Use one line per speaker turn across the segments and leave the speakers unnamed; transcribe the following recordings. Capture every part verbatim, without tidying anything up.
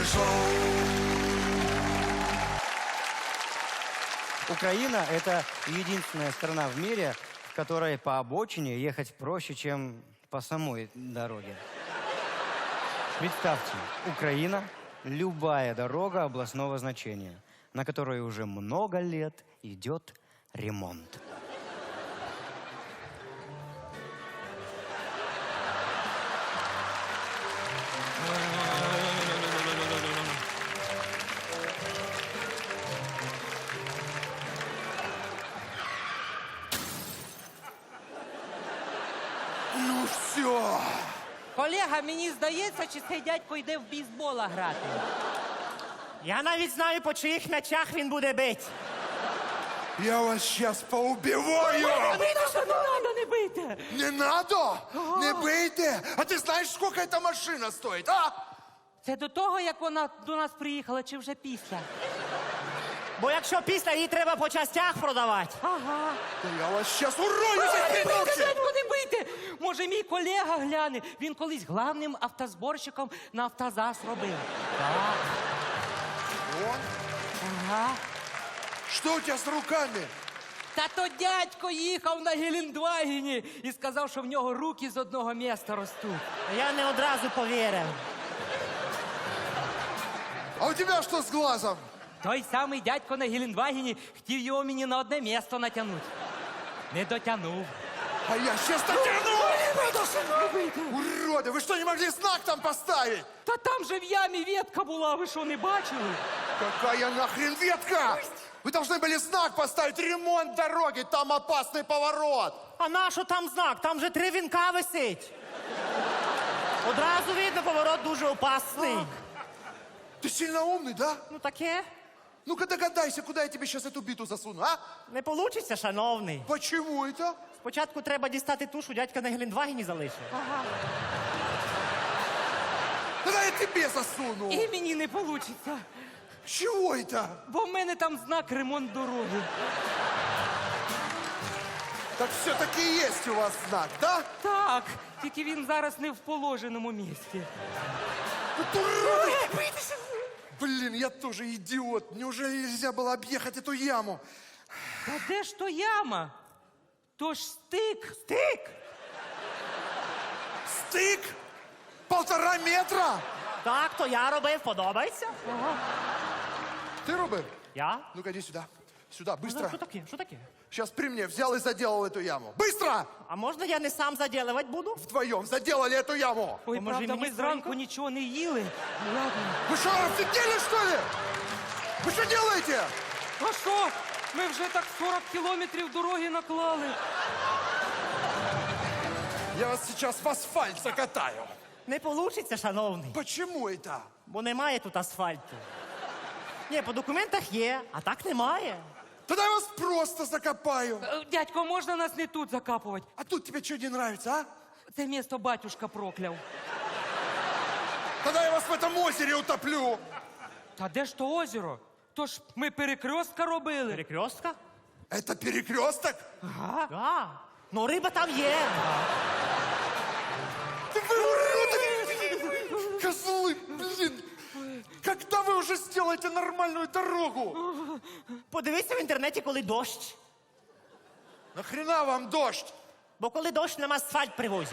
шоу.
Украина – это единственная страна в мире, в которой по обочине ехать проще, чем по самой дороге. Представьте, Украина – любая дорога областного значения, на которой уже много лет идет ремонт.
Ну все.
Колега, мені здається, чи цей дядько йде в бейсбола грати.
Я навіть знаю, по чиїх м'ячах він буде бити.
Я вас сейчас поубиваю.
Мітуша, не треба, не бийте.
Не надо? Не бейте. А ты знаешь, сколько эта машина стоит, а?
Це до того, як вона до нас приїхала, чи вже після?
Бо якщо після її треба по частях продавати.
Ага.
Да я вас сейчас урою за
Не бийте,
ночи.
дядько, не бийте. Може, мій колега гляне. Він колись главним автозборщиком на автозас робив.
Он?
Ага.
Что у тебя с руками?
Та то дядько їхав на Гелендвагені і сказав, що в нього руки з одного міста ростуть.
Я не одразу повірив.
А у тебя что с глазом?
Той самий дядько на Гелендвагені хотів його мені на одне місто натягнути. Не дотягнув.
А я сейчас натяну! Уроды, вы что, не могли знак там поставить?
Та там же в ямі ветка була, ви що, не бачили?
Какая нахрен ветка? Вы должны были знак поставить, ремонт дороги, там опасный поворот.
А на що там знак? Там же три вінка висить. Одразу видно, поворот дуже опасний.
Ты сильно умный, да?
Ну таке.
Ну-ка догадайся, куда я тебе сейчас эту биту засуну, а?
Не получиться, шановний.
Почему это?
Спочатку треба дістати ту, що дядька на Гелендвагені залишив.
Тогда я тебе засуну.
І мені не вийде,
Чего это?
бо в мене там знак ремонт дороги.
Так все-таки есть у вас знак, да?
Так, тільки він зараз не в положеному місці.
Вот уроды! Блин, я тоже идиот. Неужели нельзя было объехать эту яму?
Та де ж то яма? То ж стик.
Стик!
Стык? Полтора метра?
Так, то я робив, подобається?
Ты, Робер?
Я?
Ну-ка, иди сюда. Сюда,
Ну,
быстро.
що таке? Що таке?
Сейчас при мне взял и заделал эту яму. Быстро!
А можна я не сам заділувати буду?
Вдвоем заделали эту яму.
Ой,
Поможи
правда,
мені
ми зранку
скоренько.
нічого не їли. Ну, ладно.
Вы что, офигели, что ли? Вы что делаете?
А що? Ми вже так сорок кілометрів дороги наклали.
Я вас сейчас в асфальт закатаю.
Не получиться, шановний.
Почему это?
Бо немає тут асфальту. Ні, по документах є, а так немає.
Тогда я вас просто закопаю.
Е, Дядько, можна нас не тут закапувати?
А тут тебе что не нравится, а?
Це місто батюшка прокляв.
Тогда я вас в этом озере утоплю.
Та де ж то озеро? То ж ми перекрестка робили.
Перекрестка?
Это перекресток?
Так. Ну, риба там є.
Да вы уроды! Козлы, блин! Когда вы уже сделаете нормальную дорогу?
Подивися в інтернеті, коли дощ.
Нахрена вам дождь?
Бо коли дощ, нам асфальт привозять.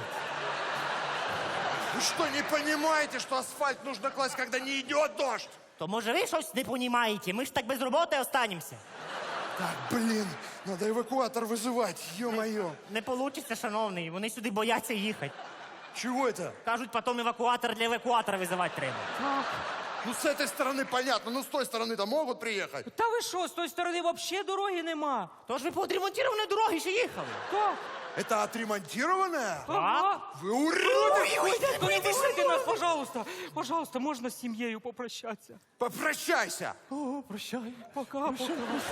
Вы что, не понимаете, что асфальт нужно класть, когда не идет дождь?
То може ви щось не понімаєте? Ми ж так без роботи останемося.
Так, блин, надо эвакуатор вызывать, ё-моё.
Не получиться, шановний. Вони сюди бояться їхати.
Чего это?
Кажуть, потім евакуатор для евакуатора визивати треба.
Ну, с этой стороны понятно, ну, с той стороны-то могут приехать.
Та ви що, з тої сторони взагалі дороги нема?
Тож ви по відремонтованій дорогі ще їхали.
Так.
Это отремонтированная?
Ага.
Вы уроды!
Ой, дядько, не пишите нас, пожалуйста. Пожалуйста, можна з сім'єю попрощатися?
Попрощайся!
О, прощай. Пока, пока.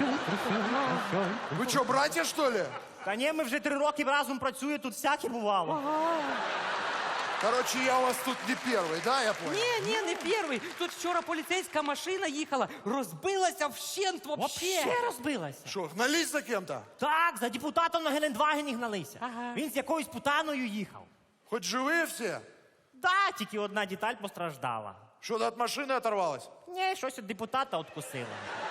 Вы что, братья, что ли?
Та ні, ми вже три роки разом працюємо, тут всяке бувало.
Короче, я у вас тут не первый, да, я понял?
Ні, ні, не перший. Тут вчора поліцейська машина їхала, розбилася вщент вообще.
Вообще розбилася.
Что, гнались за кем-то?
Так, за депутатом на Гелендвагені гналися.
Ага.
Він з якоюсь путаною їхав.
Хоть живые все?
Да, тільки одна деталь постраждала.
Что-то от машины оторвалось?
Ні, щось від депутата откусило.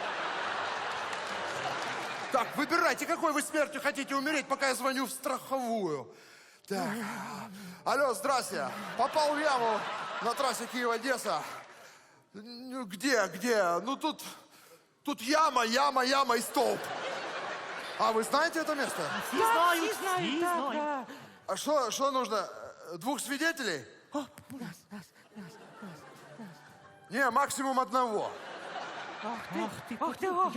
Так, выбирайте, какой вы смертью хотите умереть, пока я звоню в страховую. Так. Алло, здрасте. Попал в яму на трассе Киев-Одесса. Ну, где, где? Ну, тут, тут яма, яма, яма и столб. А вы знаете это место?
Всі знають,
Всі знають,
всі
так,
знають.
так.
А что, что нужно? Двух свидетелей? Не, максимум одного.
Ах ти, ах ти, ах.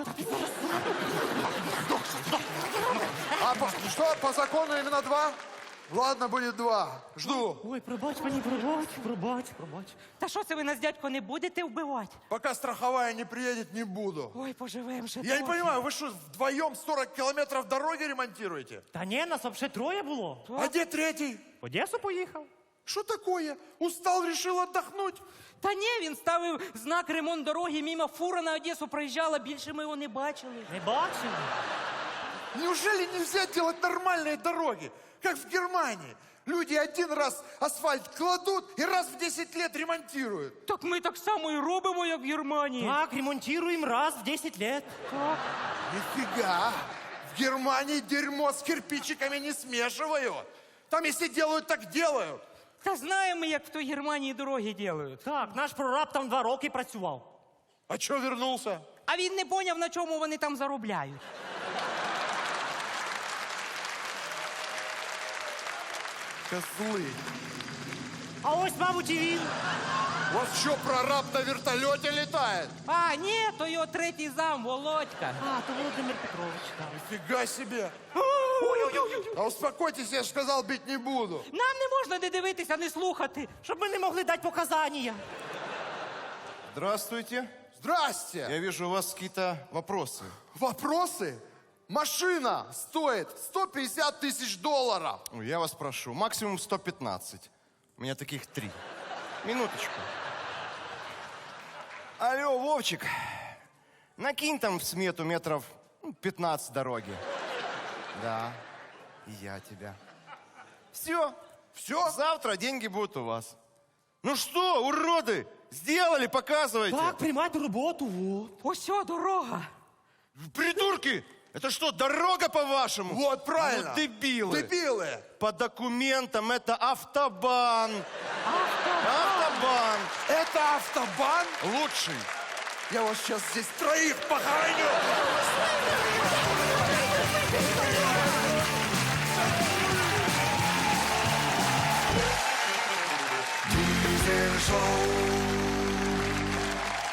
А по- что, по закону именно два? Ладно, будет два. Жду.
Ой, пробач мені, пробач, пробач, пробач.
Та що це ви нас, дядько, не будете вбивати?
Пока страховая не приедет, не буду.
Ой, поживем ще
Я не
трохи.
понимаю, вы что, вдвоем сорок километров дороги ремонтируете?
Та ні, нас взагалі троє було.
А где третий?
В Одесу поїхав.
Что такое? Устал, решил отдохнуть?
Та ні, він ставив знак ремонт дороги, мимо фура на Одесу проїжджала, більше ми його не бачили.
Не бачили?
Неужели нельзя делать нормальные дороги, как в Германии? Люди один раз асфальт кладут и раз в десять лет ремонтируют.
Так ми так само і робимо, як в Германії.
Так, ремонтуємо раз в десять лет.
Так.
Нифига! В Германии дерьмо с кирпичиками не смешивают. Там если делают, так делают.
Та знаємо ми, як в той Германії дороги роблять.
Так, наш прораб там два роки працював.
А что вернулся?
А він не поняв, на чому вони там заробляють.
Козлы.
А ось, мабуть, і він.
У вас что, прораб на вертолете летает?
А, ні, то його третій зам, Володька.
А, то Володимир Петрович, так.
Нифига себе. А успокойтесь, я же сказал, бить не буду.
Нам не можна не дивитися, не слухати.
Щоб ми не могли дати показання.
Здравствуйте.
Здрасте.
Я вижу, у вас какие-то вопросы.
Вопросы? Машина стоит сто пятьдесят тысяч долларов.
Ой, я вас прошу, максимум сто пятнадцать. У меня таких три. Минуточку. Алло, Вовчик, накинь там в смету метров ну, пятнадцать дороги. Да, и я тебя. Все,
Все?
завтра деньги будут у вас. Ну что, уроды, сделали, показывайте.
Так, приймайте роботу, вот.
Ось о, дорога.
Придурки, это что, дорога по-вашему?
Вот, правильно.
Ну, дебилы.
Дебилы.
По документам это автобан. Автобан.
Это автобан?
Лучший.
Я вас сейчас здесь троих похороню. Дизель шоу.